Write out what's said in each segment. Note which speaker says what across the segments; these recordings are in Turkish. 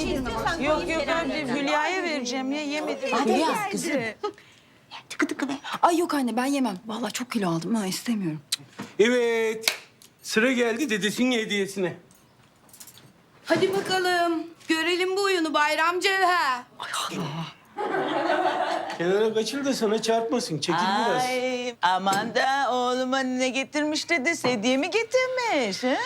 Speaker 1: Yok yok ben de Hülya'ya vereceğim ya yemedim.
Speaker 2: Hülya kızım. Tıkı tıkı be. Ay yok anne ben yemem. Vallahi çok kilo aldım ha istemiyorum.
Speaker 3: Evet. Sıra geldi dedesinin hediyesine.
Speaker 2: Hadi bakalım. Görelim bu oyunu Bayram Cevher.
Speaker 3: Kenara kaçır da sana çarpmasın. Çekil biraz.
Speaker 1: Ay aman da oğluma ne getirmiş dedesi hediye mi getirmiş? Ha?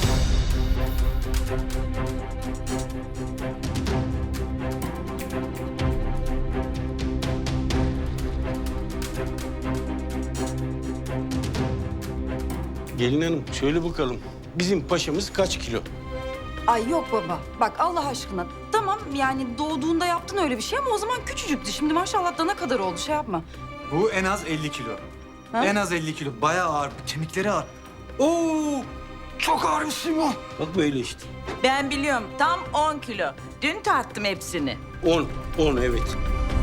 Speaker 3: Gelin hanım söyle bakalım. Bizim paşamız kaç kilo?
Speaker 2: Ay yok baba. Bak Allah aşkına. Tamam yani doğduğunda yaptın öyle bir şey ama o zaman küçücüktü. Şimdi maşallah dana kadar oldu şey yapma.
Speaker 4: Bu en az 50 kilo.
Speaker 2: Ha?
Speaker 4: En az 50 kilo. Bayağı ağır. Kemikleri ağır. Oo! Çok ağır bir şey bu.
Speaker 3: Bak böyle işte.
Speaker 1: Ben biliyorum tam 10 kilo. Dün tarttım hepsini.
Speaker 3: 10 evet.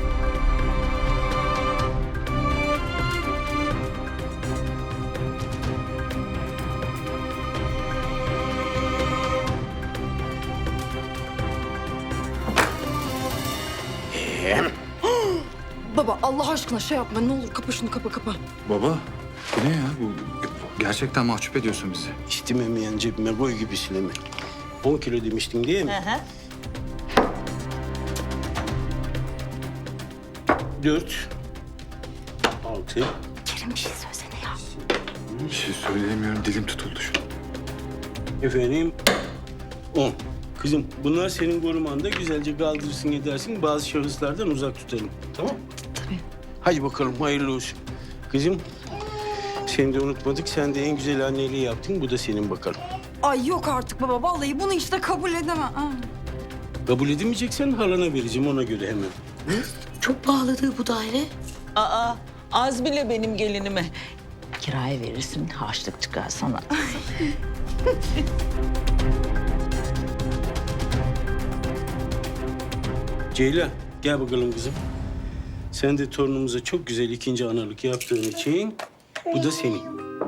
Speaker 2: Baba Allah aşkına şey yapma ne olur kapa şunu kapa.
Speaker 4: Baba, bu ne ya? Bu gerçekten mahcup ediyorsun bizi.
Speaker 3: İstememeyen cebime koy gibi sileme. 10 kilo demiştin değil mi?
Speaker 1: Hı hı.
Speaker 3: 4, 6,
Speaker 2: Kerim bir şey söylesene ya.
Speaker 4: Bir şey söyleyemiyorum. Dilim tutuldu şu an.
Speaker 3: efendim 10. Kızım bunlar senin korumanda güzelce kaldırırsın edersin. Bazı şahıslardan uzak tutalım. Tamam?
Speaker 2: Tabii.
Speaker 3: Hadi bakalım hayırlı olsun. Kızım seni de unutmadık. Sen de en güzel anneliği yaptın. Bu da senin bakalım.
Speaker 2: Ay yok artık baba vallahi bunu işte kabul edemem. Ha.
Speaker 3: Kabul edemeyeceksen halana vereceğim ona göre hemen.
Speaker 5: Çok pahalıdır bu daire.
Speaker 1: Aa az bile benim gelinime. Kiraya verirsin harçlık çıkar sana.
Speaker 3: Ceylan gel bakalım kızım. Sen de torunumuza çok güzel ikinci analık yaptığın için bu da senin.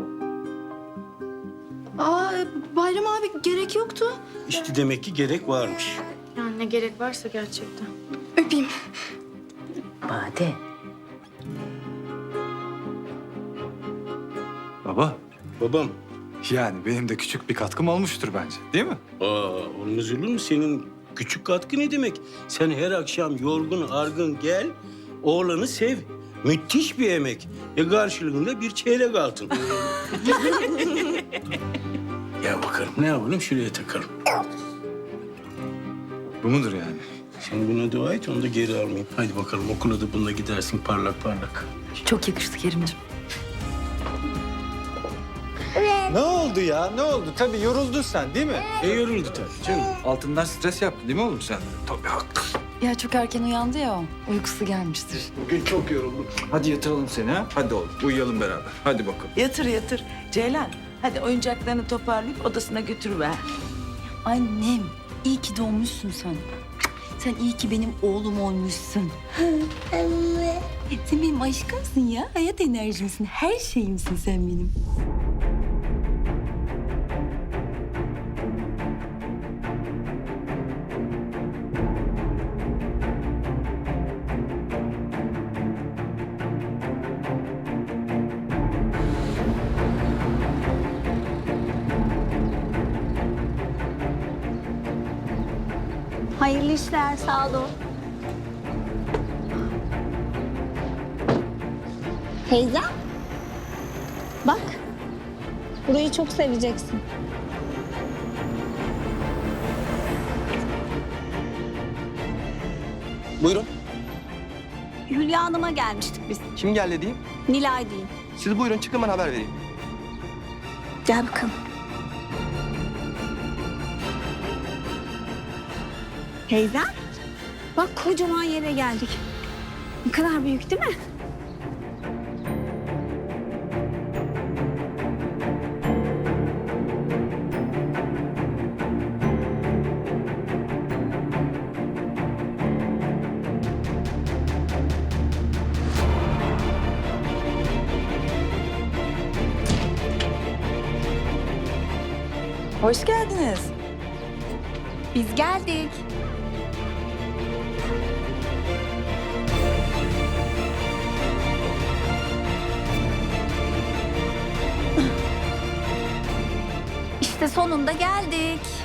Speaker 5: Aa Bayram abi gerek yoktu.
Speaker 3: İşte demek ki gerek varmış.
Speaker 5: Yani ne gerek varsa gerçekten.
Speaker 2: Öpeyim.
Speaker 1: Bade.
Speaker 4: Baba,
Speaker 3: Babam.
Speaker 4: yani benim de küçük bir katkım olmuştur bence. Değil mi?
Speaker 3: Olmaz olur mu? Senin küçük katkı ne demek? Sen her akşam yorgun argın gel, oğlanı sev. Müthiş bir emek. Karşılığında bir çeyrek altın. Ya bakalım ne yapalım şuraya takalım.
Speaker 4: Bu mudur yani?
Speaker 3: Sen buna dua et onu da geri almayayım. Hadi bakalım okula da bununla gidersin parlak parlak.
Speaker 2: Çok yakıştı Kerimciğim.
Speaker 4: Ne oldu ya? Ne oldu? Tabii yoruldun sen değil mi?
Speaker 3: Yoruldu tabii canım.
Speaker 4: Altından stres yaptı değil mi oğlum sen? Tabii haklısın.
Speaker 2: Ya çok erken uyandı ya o. Uykusu gelmiştir.
Speaker 3: Bugün çok yoruldum.
Speaker 4: Hadi yatıralım seni ha. Hadi oğlum uyuyalım beraber. Hadi bakalım.
Speaker 1: Yatır yatır. Ceylan hadi oyuncaklarını toparlayıp odasına götürüver.
Speaker 2: Annem iyi ki doğmuşsun sen. Sen iyi ki benim oğlum olmuşsun. Anne. Sen benim aşkımsın ya. Hayat enerjimsin. Her şeyimsin sen benim.
Speaker 6: Hayırlı işler, sağ olun. Teyze, bak. Burayı çok seveceksin.
Speaker 7: Buyurun.
Speaker 6: Hülya Hanım'a gelmiştik biz.
Speaker 7: Kim geldi diyeyim?
Speaker 6: Nilay değil.
Speaker 7: Siz buyurun çıkın ben haber vereyim.
Speaker 6: Gel bakalım. Teyze, bak kocaman yere geldik. Ne kadar büyük değil mi?
Speaker 2: Hoş geldiniz.
Speaker 6: Biz geldik.
Speaker 2: İşte sonunda geldik.